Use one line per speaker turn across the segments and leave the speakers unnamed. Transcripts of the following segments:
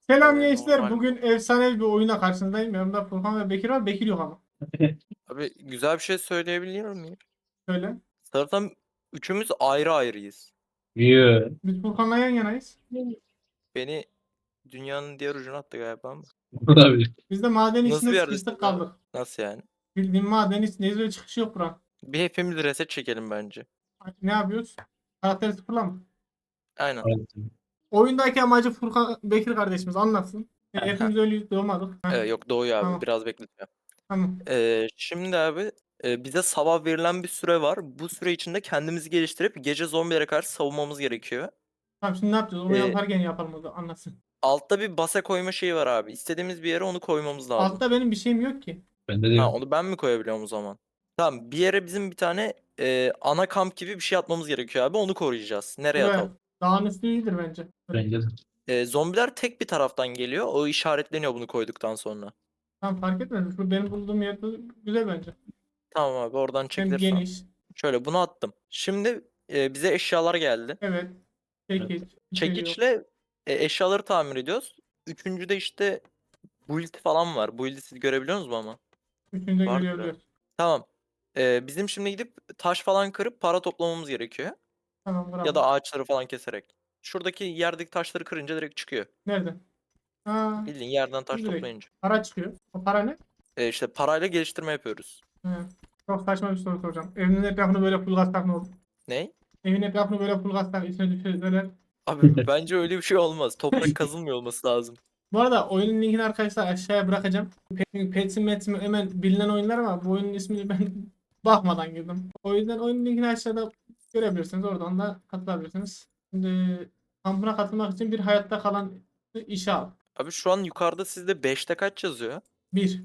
Selam gençler.
Normal.
Bugün efsane bir oyuna karşınızdayım. Yanımda Furkan ve Bekir var. Bekir yok ama.
Abi güzel bir şey söyleyebiliyor muyum?
Şöyle.
Zaten üçümüz ayrı ayrıyız.
Yoo.
Biz Furkan'la yan yanayız.
Beni dünyanın diğer ucuna attı galiba ama.
Olabilir.
Biz de maden
Nasıl
içinde
bir
sıkıştık
yerdesiniz abi?
kaldık.
Nasıl yani?
Bildiğin maden içindeyiz ve çıkış yok buranın.
Bir hepimiz reset çekelim bence.
Ne yapıyoruz? Karakteri sıfırla mı?
Aynen.
Oyundaki amacı Furkan Bekir kardeşimiz anlatsın.
Aha.
Hepimiz ölüyüz doğmadık. Heh,
Yok doğuyor abi.
tamam.
Biraz bekleteceğim.
Tamam.
Şimdi abi bize sabah verilen bir süre var. Bu süre içinde kendimizi geliştirip gece zombilere karşı savunmamız gerekiyor.
Tamam şimdi ne yapacağız? Onu
Ee,
yaparken yapalım o da anlatsın.
Altta bir base koyma şeyi var abi. İstediğimiz bir yere onu koymamız lazım.
Altta benim bir şeyim yok ki.
Bende de
Ha,
yok.
onu ben mi koyabiliyorum o zaman? Tamam, bir yere bizim bir tane ana kamp gibi bir şey atmamız gerekiyor abi. Onu koruyacağız. Nereye
Buraya.
atalım?
Dağın üstü iyidir bence.
Bence de.
Zombiler tek bir taraftan geliyor. O işaretleniyor bunu koyduktan sonra.
Tamam fark etmez. Bu benim bulduğum yerde güzel bence.
Tamam abi, oradan
Hem
çekilirsen.
geniş.
Şöyle bunu attım. Şimdi bize eşyalar geldi.
Evet. Çekiç. İçeriyor.
Çekiçle eşyaları tamir ediyoruz. Üçüncüde işte build falan var. Build'i siz görebiliyor musunuz ama?
Üçünü de
Vardır ya.
görebiliyoruz.
Tamam. Bizim şimdi gidip taş falan kırıp para toplamamız gerekiyor.
Tamam
Ya
bravo.
da ağaçları falan keserek. Şuradaki yerdeki taşları kırınca direkt çıkıyor.
Nerede? Ha,
Bildiğin yerden
bu
taş
direkt.
toplayınca.
Para çıkıyor. O para ne?
İşte parayla geliştirme yapıyoruz.
He. Çok saçma bir soru soracağım. Evinin etrafını böyle full gazsak ne olur?
Ne?
Evin etrafını böyle full gazsak içine düşürseler.
Abi bence öyle bir şey olmaz. Toprak kazılmıyor olması lazım.
Bu arada oyunun linkini arkadaşlar aşağıya bırakacağım. Petsim Metsim hemen bilinen oyunlar ama bu oyunun ismini ben bakmadan girdim. O yüzden oyunun linkini aşağıda görebilirsiniz. Oradan da katılabilirsiniz. Şimdi kampına katılmak için bir hayatta kalan işe al.
Abi şu an yukarıda sizde 5'te kaç yazıyor?
Bir.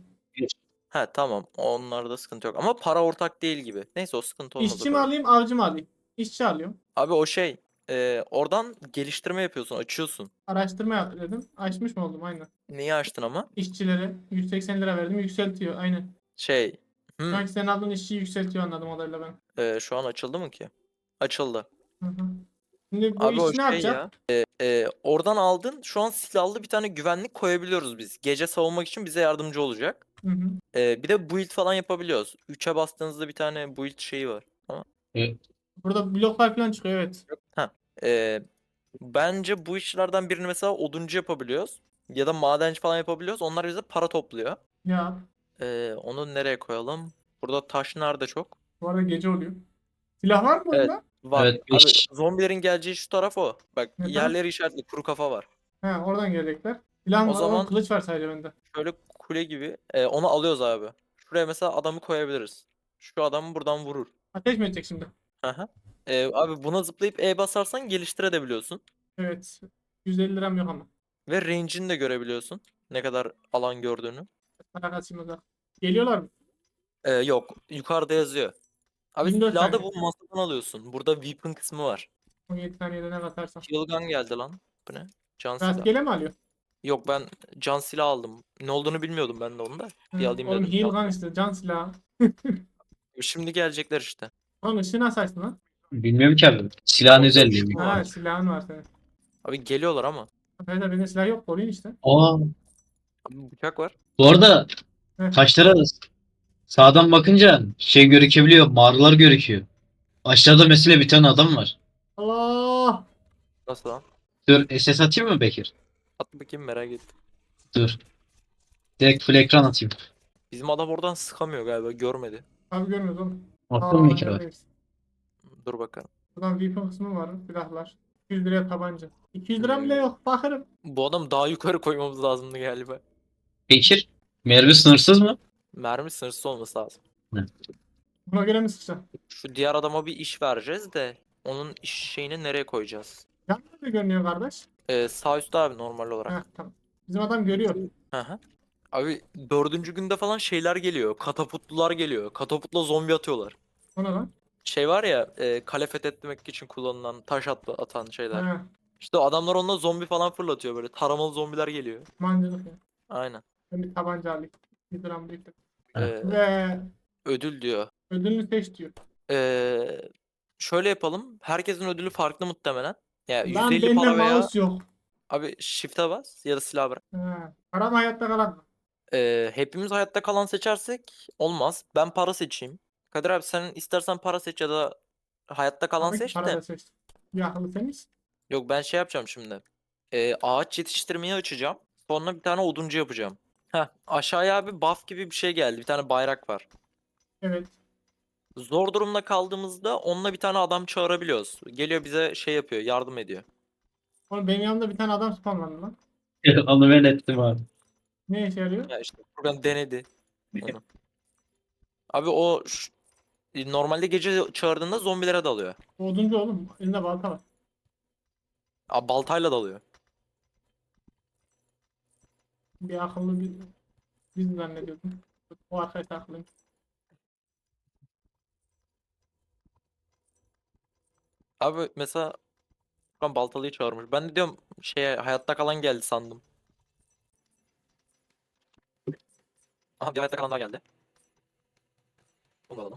Ha tamam. Onlarda sıkıntı yok. Ama para ortak değil gibi. Neyse, o sıkıntı olmaz o
İşçi mi
kadar.
alayım, avcı mı alayım? İşçi alıyorum.
Abi o şey. Oradan geliştirme yapıyorsun. Açıyorsun.
Araştırma yap dedim. Açmış mı oldum? Aynen.
Neyi açtın ama?
İşçilere 180 lira verdim. Yükseltiyor. Aynen.
Şey.
Şu
Hmm,
anki senin aldığın işçiyi yükseltiyor anladım kadarıyla ben.
şu an açıldı mı ki? Açıldı.
Hı hı. Şimdi bu
Abi o
işçi ne
şey
yapacak?
ya. Oradan aldın. Şu an silahlı bir tane güvenlik koyabiliyoruz biz. Gece savunmak için bize yardımcı olacak.
Hı hı.
Bir de build falan yapabiliyoruz. 3'e bastığınızda bir tane build şeyi var. Ama
E,
Burada bloklar falan çıkıyor evet.
ha. Ee, Bence bu işlerden birini mesela oduncu yapabiliyoruz. Ya da madenci falan yapabiliyoruz. Onlar bize para topluyor.
Ya
Onu nereye koyalım? Burada taş nerede çok?
bu arada gece oluyor. Silah var mı
Evet,
oyunda?
var.
evet
Abi
5.
zombilerin geleceği şu taraf o. Bak,
Ne taraf?
yerleri işaretli kuru kafa var.
He oradan gelecekler. Silah
O
var. Oğlum
zaman
kılıç var sadece bende.
şöyle kule gibi onu alıyoruz abi. Şuraya mesela adamı koyabiliriz. Şu adamı buradan vurur.
Ateş mi edecek şimdi?
Aha. Abi buna zıplayıp E basarsan geliştirebiliyorsun.
Evet. 150 liram yok ama.
Ve range'ini de görebiliyorsun. Ne kadar alan gördüğünü.
Para kaçayım o zaman. Geliyorlar mı?
Yok. Yukarıda yazıyor. Abi
24
silahı da
saniye.
bu masadan alıyorsun. Burada weapon kısmı var.
17 saniyede ne katarsam.
Heal gun geldi lan. Bu ne? Can silah.
Rastgele mi alıyor?
Yok, ben can silah aldım. Ne olduğunu bilmiyordum ben de onu da. Bir
Hı,
alayım
oğlum
dedim
heal
can
gun
silah.
işte. Can silahı.
Şimdi gelecekler işte.
Oğlum ışığı nasıl açtın lan?
Bilmiyorum ki abi. Silahın
Orada
özelliği.
ışık mı
Ha
var?
silahın var senin.
Abi geliyorlar ama.
Arkadaşlar bende silah yok. Koruyun işte.
Aa,
Abi bıçak var.
bu arada
Heh.
taşlara sağdan bakınca şey gözükebiliyor. Mağaralar gözüküyor. Aşağıda mesela bir tane adam var.
Allah!
Nasıl lan?
Dur SS atayım mı Bekir?
At bakayım, merak ettim.
Dur. Direkt full ekran atayım.
Bizim adam oradan sıkamıyor galiba. Görmedi.
Abi görmüyoruz oğlum.
Attın mı Bekir abi?
Neredeyiz?
Dur bakalım.
Buradan weapon kısmı var. Silahlar. 200 liraya tabanca. 200 lira bile
Hmm.
yok. Bakarım.
Bu adam daha yukarı koymamız lazımdı galiba.
Bekir. Mermi sınırsız mı?
Mermi sınırsız olması lazım.
Hı.
Buna göre mi sıkacağım?
Şu diğer adama bir iş vereceğiz de onun iş şeyini nereye koyacağız?
Yan nerede görünüyor kardeş?
Sağ üstte abi, normal
Heh
olarak.
tamam. Bizim adam görüyor.
Hı hı. Abi dördüncü günde falan şeyler geliyor. Katapultlular geliyor. Katapultla zombi atıyorlar.
O ne lan?
Şey var ya, kale fethetmek için kullanılan taş atan şeyler.
He.
İşte adamlar onunla zombi falan fırlatıyor böyle. Taramalı zombiler geliyor.
Mancınık ya.
Aynen.
Ben bir tabanca alayım. 100 liram biriktir.
Heh.
Ee,
Ve
Ödül diyor.
ödülünü seç diyor.
Şöyle yapalım. Herkesin ödülü farklı muhtemelen. Ya
Lan
150
bende
para veya
mouse yok.
Abi shift'e bas ya da silah bırak.
Ha. Para mı hayatta kalan mı?
Hepimiz hayatta kalan seçersek olmaz. Ben para seçeyim. Kadir abi sen istersen para seç ya da hayatta kalan
Tabii ki
seç
para
de.
da seçtim. Bir akıllı temiz.
Yok ben şey yapacağım şimdi. Ağaç yetiştirmeyi açacağım. Sonra bir tane oduncu yapacağım. Heh, aşağıya abi buff gibi bir şey geldi. Bir tane bayrak var.
Evet.
Zor durumda kaldığımızda onunla bir tane adam çağırabiliyoruz. Geliyor bize şey yapıyor, yardım ediyor.
Oğlum benim yanımda bir tane adam spawnlandı lan.
Onu ben ettim abi.
Ne işe yarıyor?
Ya işte program denedi onu. Abi o normalde gece çağırdığında zombilere dalıyor.
Oduncu oğlum. Elinde balta var.
Abi baltayla dalıyor.
Bir akıllı bir biz zannediyordum. O arkadaş da akıllıymış.
Abi mesela ben baltalıyı çağırmış. Ben de diyorum şeye hayatta kalan geldi sandım. Aha bir hayatta kalan daha geldi. Bunu da alalım.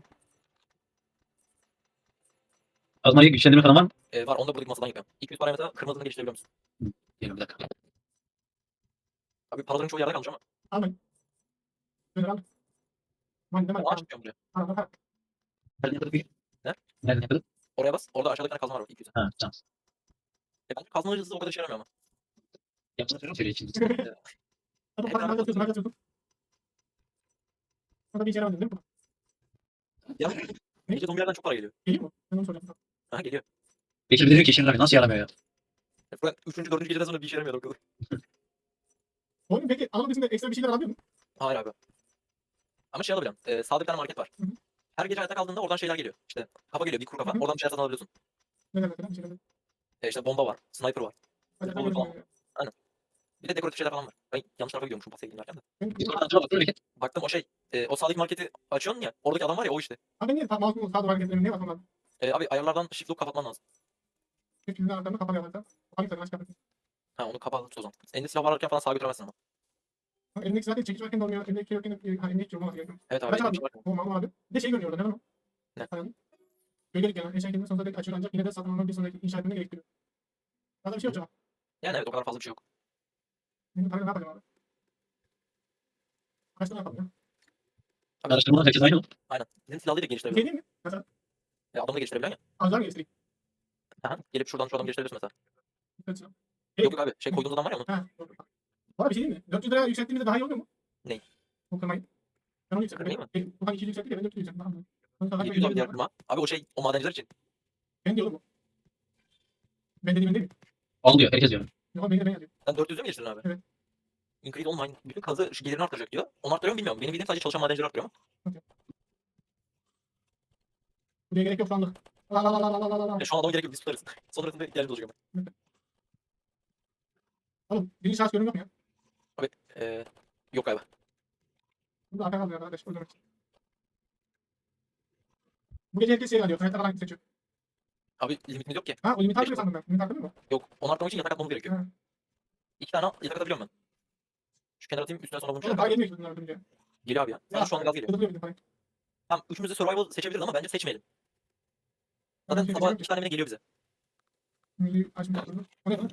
Azmaya güçlendirme falan var mı?
Var onu da buradaki masadan yapıyorum. 200 paraya mesela kırmızını geliştirebiliyor musun?
Diyelim bir dakika.
Abi paraların çoğu yerde kalmış ama.
Almayın. Böyle al. Man demem.
Onu aç yapıyorum buraya.
Tamam. Tamam.
Nereden yapalım?
Ne?
Nereden yapalım?
Oraya bas. Orada aşağıda bir tane kazma var 200'e.
Ha tamam.
Bence kazma hızlı o kadar işe yaramıyor ama.
Yapsana söyle için.
Hadi
Evet,
bak,
abi.
hadi atıyorsun, hadi atıyorsun. Orada bir işe yaramıyor değil mi?
Ya gece zombilerden çok para geliyor.
Geliyor mu? Ben onu soracağım.
Aha geliyor.
Bekir diyor ki işin abi nasıl yaramıyor ya?
Ben 3. 4. geceden sonra bir işe yaramıyor o kadar.
Oğlum peki anladığım içinde ekstra bir şeyler alabiliyor musun?
Hayır abi. Ama şey alabiliyorum. Sağda bir tane market var.
Hı hı.
Her gece hayatta kaldığında oradan şeyler geliyor. İşte kafa geliyor, bir kuru kafa.
Hı hı.
Oradan bir şeyler satın alabiliyorsun.
Ne mesela bir şeyler.
İşte bomba var, sniper var.
Hadi
Olur
hadi
falan. Bir de dekoratif şeyler falan var. Ben yanlış tarafa gidiyormuşum pas sevgilim derken de.
hadi.
Baktım o şey. O sağdaki marketi açıyorsun ya. Oradaki adam var ya o işte.
Abi niye mouse'un sağ duvar hareketlerini niye basmam lazım?
Abi ayarlardan shift lock kapatman lazım.
Hepimizin anahtarını kapalı yapacağım. Hangi tarafına çıkartayım?
Ha onu kapalı tut o zaman. Elinde silah varken falan sağa götüremezsin ama.
Elindeki zaten çekiç varken de olmuyor. Elindeki yokken de elindeki olmaz gerekiyor.
Evet abi.
Kaç
elinde
abi?
bir şey var.
Tamam abi. Bir de şey görünüyor orada. Ne lan o?
Ne?
Hani gölgelik yani. Eşya kendini sonsuza dek açıyor ancak yine de satın almak bir sonraki inşa etmeni gerektiriyor. Daha bir şey yok canım.
Yani evet o kadar fazla bir şey yok.
Benim parayla ne yapacağım abi? Kaç tane yapalım ya?
Araştırmalar herkes aynı mı?
Aynen. Bizim silahları da
Bir şey
geliştirebiliyorsun.
değil mi? Mesela
Adamı da geliştirebiliyorsun
azlar mı geliştireyim?
ya. Aha. Gelip şuradan şu adamı geliştirebiliyorsun mesela.
Mesela.
Yok yok abi. Şey koyduğunuz adam var ya onun.
Ha. Doğru. Valla bir şey değil mi? 400 liraya yükselttiğimizde daha iyi oluyor mu?
Ney?
Bu kırmayı. Ben onu yükselttim.
Kırmayı mı?
Bu hani 200 yükselttik ya ben 400 yükselttim. Tamam mı? Onu kadar
700 abi
ben
diğer firma. Abi o şey o madenciler için.
ben diyorum bu. Ben dediğim değil mi?
Almıyor herkes diyor.
Yok ben yazıyorum.
Sen 400'e mi geliştirdin abi?
Evet.
Increase online. Bütün kazı gelirini arttıracak diyor. Onu arttırıyor mu bilmiyorum. Benim bildiğim sadece çalışan madencileri arttırıyor ama.
Buraya gerek yok sandık. La la la la la la la la.
Şu an adama gerek yok biz tutarız. Sonrasında ihtiyacımız olacak ama.
Oğlum birinci şahıs görünüm yok mu ya?
Abi yok abi.
Burada arka kalıyor arkadaş. O demek. Bu gece herkes şey alıyor. Hayatta kalan seçiyor.
Abi limitimiz yok ki.
Ha o limit artıyor sandım ben. Limit artıyor mu?
Yok. Onu arttırmak için yatak atmamız gerekiyor.
Ha.
2 tane yatak atabiliyorum ben. Şu kenara atayım üstüne sonra bunu
Oğlum
şey
para
yapayım.
gelmiyor ki bunlar ödünce.
Geliyor abi ya. Sadece şu anda gaz geliyor.
Kıdırlıyor bizim parayı.
Tamam üçümüz de survival seçebiliriz ama bence seçmeyelim.
Ben
Zaten
şey
sabah
seçerim
2 tane mi ne geliyor bize.
Milli açmış kıdırlı. O ne lan?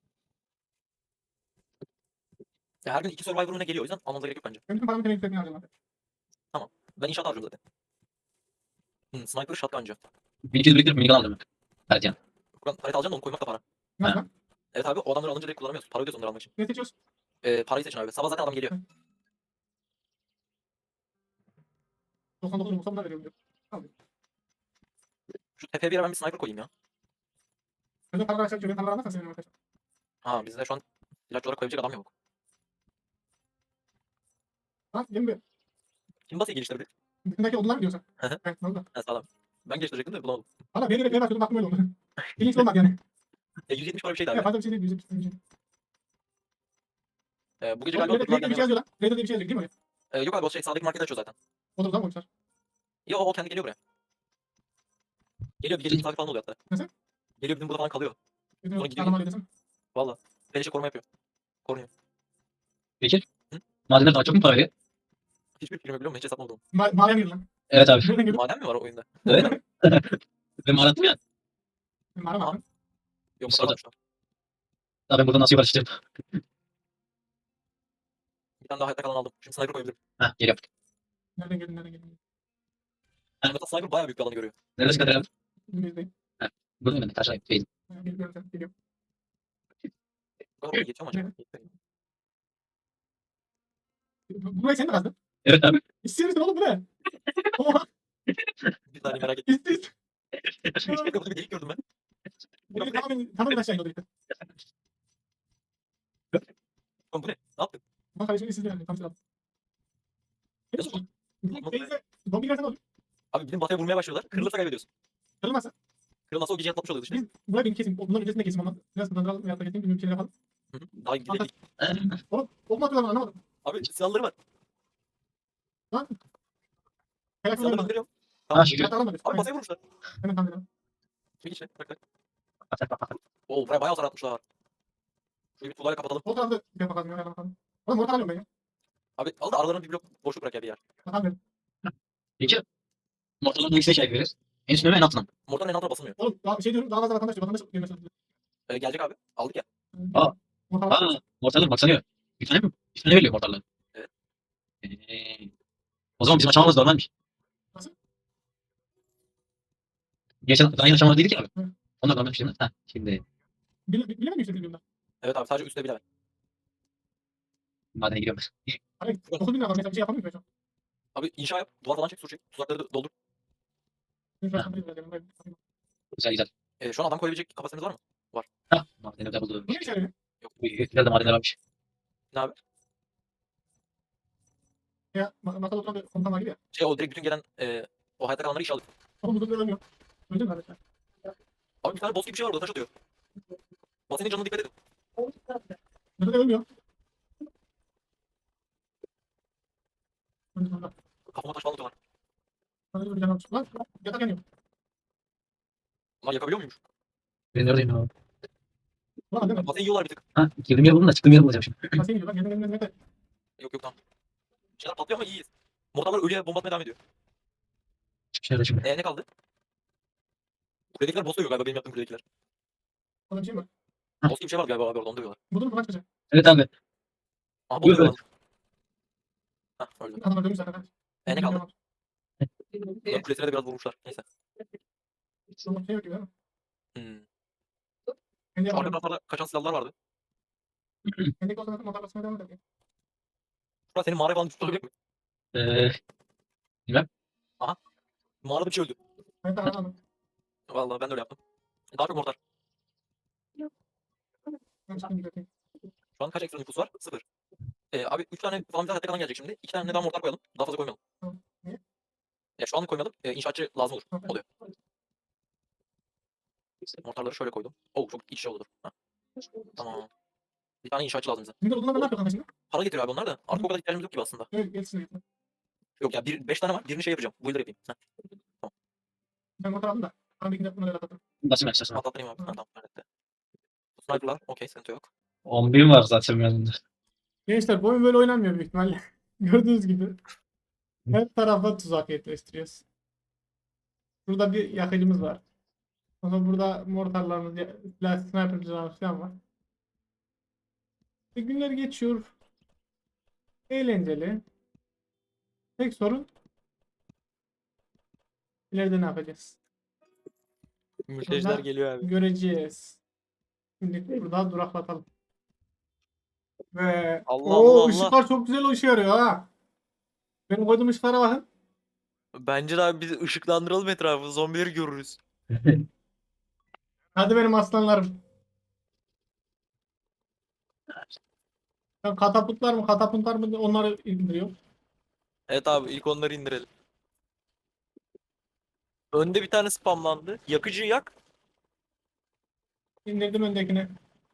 Ya her gün 2 survival'ına geliyor o yüzden almamıza gerek yok bence.
Ben bütün paramı temel yükseltmeye harcadım abi.
Ben inşaat harcıyorum zaten. Sniper shotguncu.
1200 biriktirip minigun aldım. Evet yani.
Ben harita alacağım da onu koymak da para.
Nasıl
Ha.
lan?
Evet abi o adamları alınca direkt kullanamıyorsun. Para ödüyorsun onları almak için.
Ne seçiyoruz?
Parayı seçin abi. Sabah zaten adam geliyor.
99 yumurta bunlar veriyor diyor. Tamam.
Şu tepeye bir yere ben bir sniper koyayım ya.
Ödün paralar aşağı düşüyor. Ben paralar almazsan sevinirim arkadaşlar.
Ha bizde şu an ilaç olarak koyabilecek adam yok.
Ha gelin bir.
Kim basıyı geliştirebilir?
Bütündeki odunlar mı diyorsun?
Hı hı.
Evet valla.
Ha sağlam. Ben geliştirecektim de bulamadım.
Valla bir yere neye bakıyordum baktım öyle oldu. İlginç olmadı yani.
170 para bir şeydi
Ya
abi.
fazla bir şey değil. Bir şey.
Bu gece
Raider
galiba
diye bir
Bloodline
şey yazıyor lan. Raider diye bir şey yazıyor değil mi oraya?
yok abi o şey sağdaki market açıyor zaten.
O da buradan mı koymuşlar?
Yo o kendi geliyor buraya. Geliyor bir gece misafir falan oluyor hatta.
Nasıl?
Geliyor bizim burada falan kalıyor.
Bütün
Sonra gidiyor.
sağlam halledesem.
Valla. Beleşe koruma yapıyor. Koruyor.
Bekir.
Hı?
Madenler daha çok mu para veriyor?
Hiçbir firma biliyor musun? Hiç hesaplamadım.
Maden girdi lan.
Evet abi.
Nereden girdi?
Maden mi var o oyunda?
Evet. Ben mağarattım ya.
Mağara mı?
Yok
Biz
o kadar varmış.
Daha ben buradan nasıl yukarı çıkacağım?
Bir tane daha hayatta kalan aldım. Şimdi sniper koyabilirim.
Heh geliyorum.
Nereden geldin nereden geldin?
Mesela sniper bayağı büyük bir alanı görüyor.
Neredesin Kadir abi?
Önümüzdeyim.
Heh. Burada mı ben? Taşrayım. Değil.
Geliyorum sen. Geliyorum.
Bu kadar oraya yetiyor mu acaba?
Burayı sen de kazdın.
Evet abi.
İstiyor musun oğlum bu ne? Oha.
Bir saniye merak ettim.
İstiyor.
Burada bir delik gördüm ben.
Burayı tamamen aşağı iniyordu işte.
Oğlum bu ne? Ne yaptın?
Bak kardeşim siz de yani. Tam sıra.
Nasıl oldu?
Teyze. Zombi gelsen olur.
Abi bizim bataya vurmaya başlıyorlar. Kırılırsa kaybediyorsun.
Kırılmazsa.
Kırılmazsa o gücü atlatmış oluyoruz işte.
Biz burayı bir kesin. Bunların öncesinde kesin olmaz. Biraz hızlandıralım. Veyahut da kesin. Bir şeyler yapalım.
Hı hı. Daha gidecek değil.
Oğlum. Bomba atıyorlar bana, anlamadım.
Abi silahları var.
Lan. Kayak
Silahları
yolları.
gönderiyorum.
Ha şükür.
Kayak alalım.
Abi masaya vurmuşlar.
Hemen kandıralım.
Çek içine. Bak bak. Oo buraya bayağı hasar atmışlar. Şurayı bir tuğlayla kapatalım.
O tarafta bir yapmak lazım. Yana bakalım. Oğlum orta alıyorum ben ya.
Abi al da aralarına bir blok boşluk bırak ya bir yer.
Bakalım.
Peki. Mortalın hangisine şey yapıyoruz? En üstüne mi en altına mı?
Mortarın en altına basılmıyor.
Oğlum daha şey diyorum. Daha fazla vatandaş diyor. Vatandaş girmesi lazım.
Gelecek abi. Aldık ya.
Aa.
Orta var.
Aa. Mortalın bak sanıyor. Bir tane mi? Bir tane veriyor mortalın.
Evet.
O zaman bizim açamamız normalmiş.
Nasıl?
Geçen daha yeni açamadı dedik ya abi.
Hı.
Onlar normalmiş değil mi? Ha şimdi
Bilemedim işte bilmiyorum
Evet abi sadece üstte bile.
madene giriyorum.
Hayır. 9 bin lira var. Mesela bir şey yapamıyorum şu an.
Abi inşa yap. Duvar falan çek. Sur çek. Tuzakları da doldur.
Benim şu an
Ha.
kapıyı vereceğim. Ben-
Güzel güzel.
Şu an adam koyabilecek kapasitemiz var mı?
Ha madene de buldu.
Bu ne işe yarıyor?
Yok.
Güzel de madenler varmış.
Ne abi?
Ya masada oturan bir komutan var gibi ya.
O direkt bütün gelen o hayatta kalanları işe alıyor.
Oğlum bu durumda ölmüyor. Öldü mü kardeşler?
Abi bir tane boss gibi bir şey var orada taş atıyor. Basinin canına dikkat edin.
Burada da ölmüyor. Öldü sonra.
Kafama taş falan atıyorlar.
Sana bir can almış. Lan yatak yanıyor.
Lan yakabiliyor muymuş?
Ben neredeyim ya?
Ulan değil mi?
Basini yiyorlar bir tık.
Ha girdim yer buldum da çıktığım yer bulacağım şimdi.
Nasıl iniyor lan? Gelin gelin.
Yok yok tamam. Bir şeyler patlıyor ama iyiyiz. Mortarlar ölüye bomba atmaya devam ediyor.
Çıkış nerede şimdi?
Ne kaldı? Kuledekiler boss dövüyor galiba benim yaptığım kuledekiler.
Orada bir şey mi var?
Boss gibi bir şey var galiba abi orada onu dövüyorlar.
Bu durum buradan çıkacak.
Evet abi.
Aha boss
Buyur,
dövüyorlar. Hah öldü.
Adamlar dönmüş zaten.
Ne kaldı? Bunların kulesine de biraz vurmuşlar. Neyse.
Şu şey yok gibi değil mi?
Hmm.
Kendi
Şu arka
yapalım.
taraflarda kaçan silahlar vardı.
Kendi olsa motor basmaya devam edelim.
Şurada senin mağaraya falan düşmüş olacak mı?
Bilmem.
Mağarada bir şey öldü.
Hayatta alalım.
Vallahi ben de öyle yaptım. Daha çok mortar.
Ben çıktım gidelim.
Şu an kaç ekstra nüfus var? 0. Abi 3 tane falan bize hayatta kalan gelecek şimdi. 2 tane daha mortar koyalım. Daha fazla koymayalım.
Tamam. Niye?
Ya şu anlık koymayalım. İnşaatçı lazım olur.
Tamam.
Oluyor. Mortarları şöyle koydum. Oo çok iç içe olur. Ha, tamam. Bir tane inşaatçı lazım bize.
Şimdi odunlar ne yapıyor kanka şimdi?
Para getiriyor abi onlar da. Artık o kadar ihtiyacımız yok gibi aslında.
Evet gelsin yapalım.
Yok ya 5 tane var. Birini şey yapacağım. Builder yapayım. Heh,
Ben motor aldım da. Bana bir bunu öyle atlattım.
Basayım açacağız.
atlatayım abi. Ha, tamam. Nerede? Sniper'lar. Okey sıkıntı yok.
11 var zaten yanında.
Gençler bu oyun böyle oynanmıyor büyük ihtimalle. Gördüğünüz gibi. Her tarafa tuzak yerleştiriyoruz. Burada bir yakıcımız var. Sonra burada mortarlarımız, sniper'cılarımız falan var. Günler geçiyor. Eğlenceli. Tek sorun ileride ne yapacağız?
Mülteciler geliyor abi.
Göreceğiz. Şimdi burada duraklatalım. Ve
Allah Allah Allah.
ışıklar çok güzel ışığı yarıyor ha. Benim koyduğum ışıklara bakın.
Bence de abi biz ışıklandıralım etrafı. Zombileri görürüz.
Hadi benim aslanlarım. Ben katapultlar mı katapultlar mı onları indiriyor.
Evet abi ilk onları indirelim. Önde bir tane spamlandı. Yakıcıyı yak.
İndirdim öndekini.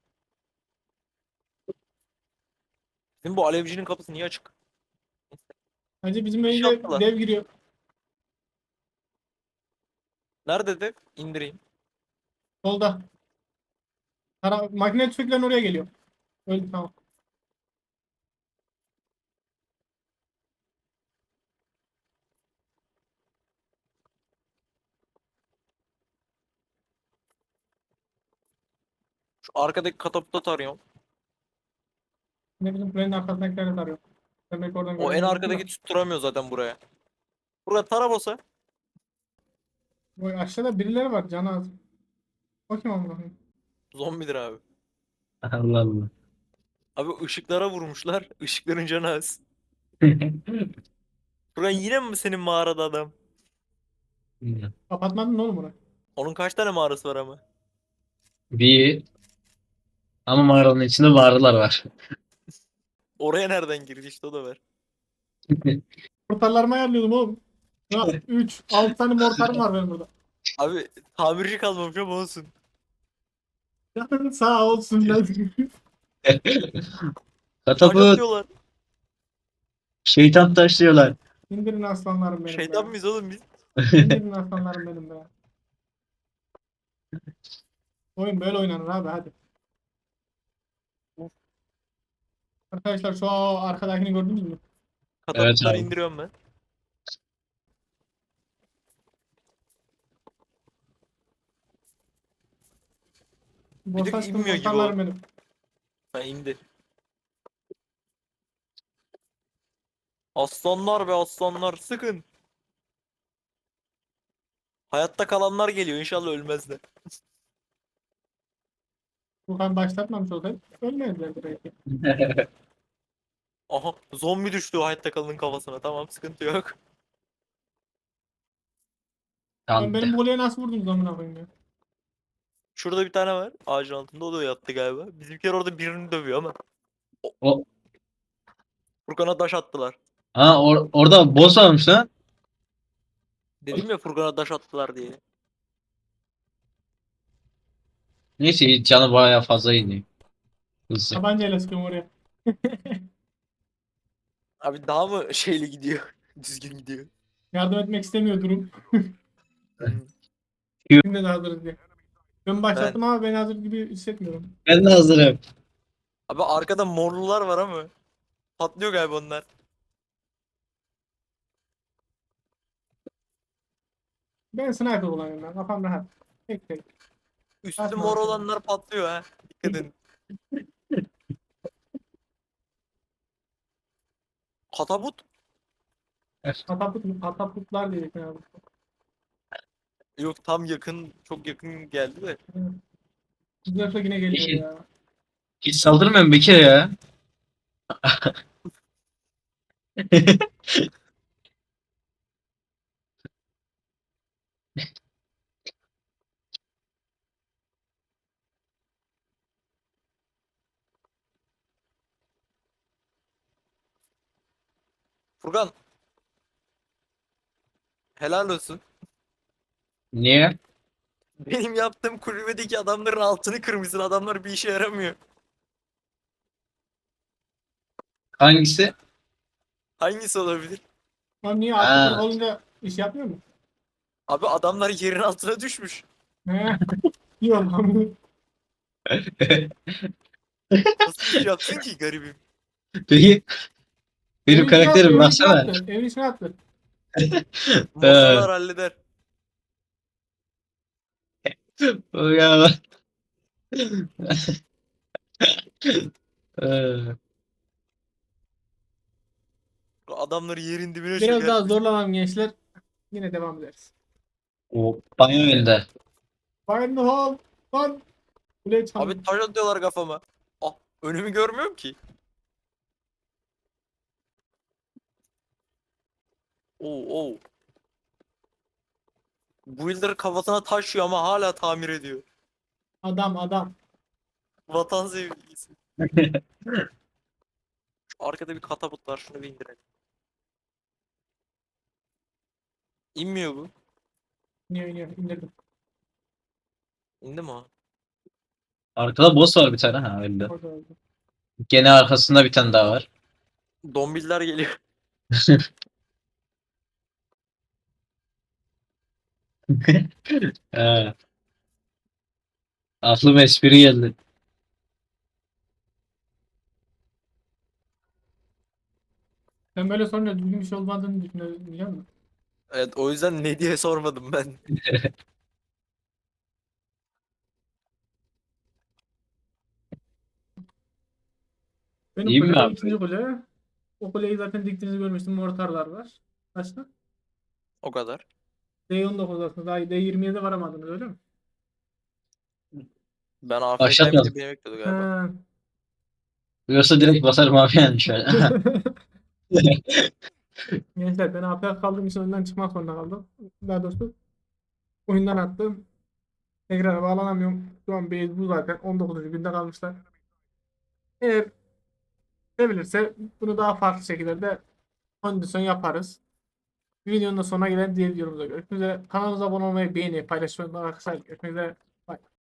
Bizim bu alevcinin kapısı niye açık?
Hacı bizim
İş
önce
yaptılar.
dev giriyor.
Nerede de indireyim.
Solda. Makine tüfeklerin oraya geliyor. Öyle tamam.
Şu arkadaki katapulta tarıyorum.
Ne bizim kulenin arkasındakileri tarıyor. Demek oradan
O en
göremedim
arkadaki
ama.
tutturamıyor zaten buraya. Burada tarabosa.
Bu aşağıda birileri var canı az. O kim amına koyayım?
Zombidir abi.
Allah Allah.
Abi ışıklara vurmuşlar. Işıkların canı az. Furkan yine mi senin mağarada adam?
Kapatmadın mı oğlum orayı?
Onun kaç tane mağarası var ama?
Bir ama mağaranın içinde mağaralar var.
Oraya nereden girdi işte o da var.
Mortarlarımı ayarlıyordum oğlum. Ya 3, 6 tane mortarım var benim burada.
Abi tamirci kalmamış ama olsun.
Canın sağ olsun lan.
Taş
Katapult,
atıyorlar.
şeytan taşlıyorlar.
İndirin aslanlarım benim
Şeytan
be.
mıyız oğlum biz?
İndirin aslanlarım benim be. Oyun böyle oynanır abi hadi. Arkadaşlar şu arkadakini gördünüz mü?
Evet
Katapultları
abi.
indiriyorum ben. Bir
Boş
tık
açtım
inmiyor gibi o.
mortarlarım benim.
Ha indi. Aslanlar be aslanlar sıkın. Hayatta kalanlar geliyor inşallah ölmezler.
Furkan başlatmamış olsaydı ölmezlerdi belki.
Aha zombi düştü o hayatta kalanın kafasına tamam sıkıntı yok.
Lan benim
Tamam.
bu kuleye nasıl vurdunuz amına koyayım ya?
Şurada bir tane var ağacın altında o da yattı galiba. Bizimkiler orada birini dövüyor ama.
O,
Furkan'a taş attılar.
orada boss varmış lan.
Dedim ya Furkan'a taş attılar diye.
Neyse canı bayağı fazla iniyor. Hızlı.
Tabancayla sıkıyorum oraya.
Abi daha mı şeyli gidiyor? Düzgün gidiyor.
Yardım etmek istemiyor durum.
Hmm.
Şimdi de hazırız diye. Ben başlattım ama ben hazır gibi hissetmiyorum.
Ben de hazırım.
Abi arkada morlular var ama. Patlıyor galiba onlar.
Ben sniper kullanıyorum ben. Kafam rahat. Tek tek.
Üstü
Atma
mor
atma.
olanlar patlıyor ha. Dikkat edin. Katapult?
Katapultlar dedik abi.
Yok tam yakın, çok yakın geldi de.
Zırhlı yine geliyor
Hiç,
ya.
hiç saldırmıyorum bir kere ya.
Furkan, helal olsun.
Niye?
Benim yaptığım kulübedeki adamların altını kırmışsın. Adamlar bir işe yaramıyor.
Hangisi?
Hangisi olabilir?
Lan niye altı kırık
Ha.
olunca iş yapmıyor mu?
Abi adamlar yerin altına düşmüş.
He. Yok lan.
Nasıl iş yapsın ki garibim?
Peki benim
Evin içine attı,
karakterim
evin içine
baksana.
attı. Evin içine attı.
Mortalar halleder.
Ya. Ee,
Adamları yerin dibine
Biraz daha
çökertmiş.
zorlamam gençler. Yine devam ederiz.
O banyo önünde.
Fire in the hole. Lan. Kuleye çalın.
Abi taş atıyorlar kafama. Ah, önümü görmüyorum ki. Oo, oo. Builder kafasına taş yiyor ama hala tamir ediyor.
Adam adam.
Vatan sevgisi. Şu arkada bir katapult var. Şunu bir indirelim. İnmiyor bu.
İniyor iniyor. İndirdim.
İndi mi o?
Arkada boss var bir tane ha öyle.
Orada öldü.
Gene arkasında bir tane daha var.
Dombiller geliyor.
Ee, aklıma espri geldi.
Sen böyle sorunca düzgün bir şey olmadığını düşünüyorsun biliyor musun?
Evet o yüzden ne diye sormadım ben.
Benim
İyi mi
kulede
abi?
ikinci kule. O kuleyi zaten diktiğinizi görmüştüm. Mortarlar var. Başka?
O kadar.
D19 aslında. Daha D27'de varamadınız öyle mi?
Ben AFK'yim
Başlatmadım.
diye beni bekliyordu galiba.
Ha.
Yoksa direkt basarım abi yani şöyle.
Gençler ben AFK kaldığım için oyundan çıkmak zorunda kaldım. Daha doğrusu oyundan attım. Tekrar bağlanamıyorum. Şu an base bu zaten. 19. günde kalmışlar. Eğer sevilirse bunu daha farklı şekillerde kondisyon yaparız. Videonun da sonuna gelen diğer videomuzda görüşmek üzere. Kanalımıza abone olmayı, beğenmeyi, paylaşmayı unutmayın arkadaşlar. Görüşmek üzere. Bye.